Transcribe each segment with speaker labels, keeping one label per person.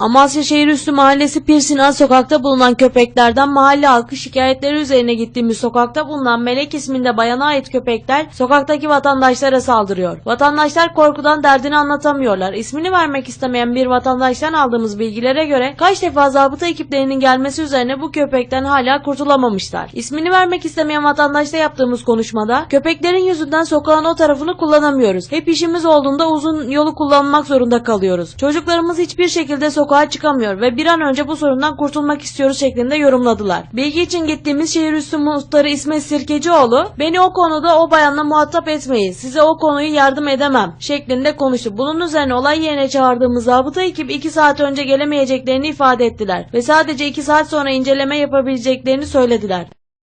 Speaker 1: Amasya Şehirüstü Mahallesi Pirsinan sokakta bulunan köpeklerden mahalle halkı şikayetleri üzerine gittiğimiz sokakta bulunan Melek isminde bayana ait köpekler sokaktaki vatandaşlara saldırıyor. Vatandaşlar korkudan derdini anlatamıyorlar. İsmini vermek istemeyen bir vatandaştan aldığımız bilgilere göre kaç defa zabıta ekiplerinin gelmesi üzerine bu köpekten hala kurtulamamışlar. İsmini vermek istemeyen vatandaşla yaptığımız konuşmada köpeklerin yüzünden sokağın o tarafını kullanamıyoruz. Hep işimiz olduğunda uzun yolu kullanmak zorunda kalıyoruz. Çocuklarımız hiçbir şekilde sokağa çıkamıyor ve bir an önce bu sorundan kurtulmak istiyoruz şeklinde yorumladılar. Bilgi için gittiğimiz Şehirüstü Muhtarı İsmet Sirkecioğlu, "Beni o konuda o bayanla muhatap etmeyin, size o konuyu yardım edemem" şeklinde konuştu. Bunun üzerine olay yerine çağırdığımız zabıta ekibi 2 saat önce gelemeyeceklerini ifade ettiler ve sadece 2 saat sonra inceleme yapabileceklerini söylediler.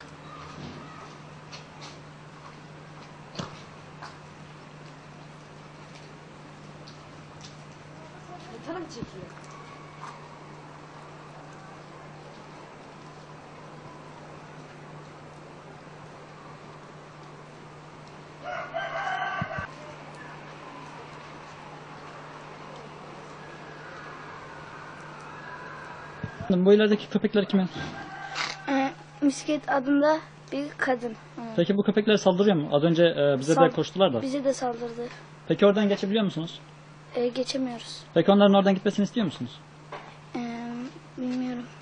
Speaker 2: Bu ilerideki köpekler kimin?
Speaker 3: Misket adında bir kadın.
Speaker 2: Peki bu köpekler saldırıyor mu? Az önce bize de koştular da.
Speaker 3: Bize de saldırdı.
Speaker 2: Peki oradan geçebiliyor musunuz?
Speaker 3: Geçemiyoruz.
Speaker 2: Peki onların oradan gitmesini istiyor musunuz?
Speaker 3: Bilmiyorum.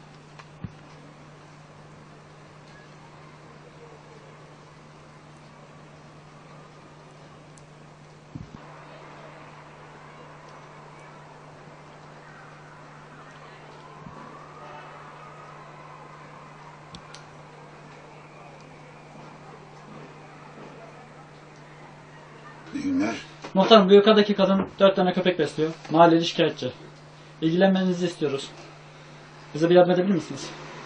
Speaker 4: İyi günler.
Speaker 2: Muhtarım, bu yukarıdaki kadın 4 tane köpek besliyor. Mahalleli şikayetçi. İlgilenmenizi istiyoruz. Bize bir yardım edebilir misiniz?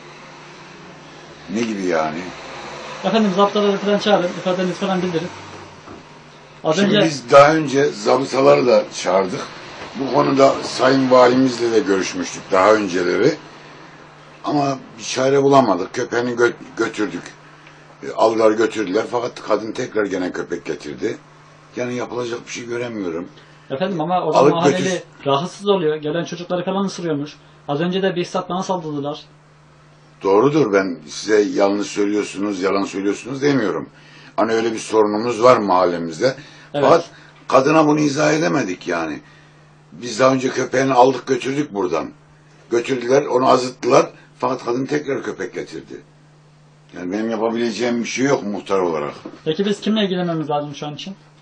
Speaker 4: Ne gibi yani?
Speaker 2: Efendim, zaptaları falan çağırın, ifadenizi falan bildirin.
Speaker 4: Şimdi biz daha önce zabıtaları da çağırdık. Bu konuda Sayın Valimizle de görüşmüştük daha önceleri. Ama bir çare bulamadık. Köpeğini götürdük. Aldılar götürdüler. Fakat kadın tekrar gene köpek getirdi. Yani yapılacak bir şey göremiyorum.
Speaker 2: Efendim, ama o zaman mahalleli rahatsız oluyor. Gelen çocukları falan ısırıyormuş. Az önce de bir saat bana saldırdılar.
Speaker 4: Doğrudur, ben size yanlış söylüyorsunuz, yalan söylüyorsunuz demiyorum. Hani öyle bir sorunumuz var mahallemizde.
Speaker 2: Evet.
Speaker 4: Fakat kadına bunu izah edemedik yani. Biz daha önce köpeğini aldık götürdük buradan. Götürdüler, onu azıttılar. Fakat kadın tekrar köpek getirdi. Yani benim yapabileceğim bir şey yok muhtar olarak.
Speaker 2: Peki biz kimle ilgilenmemiz lazım şu an için?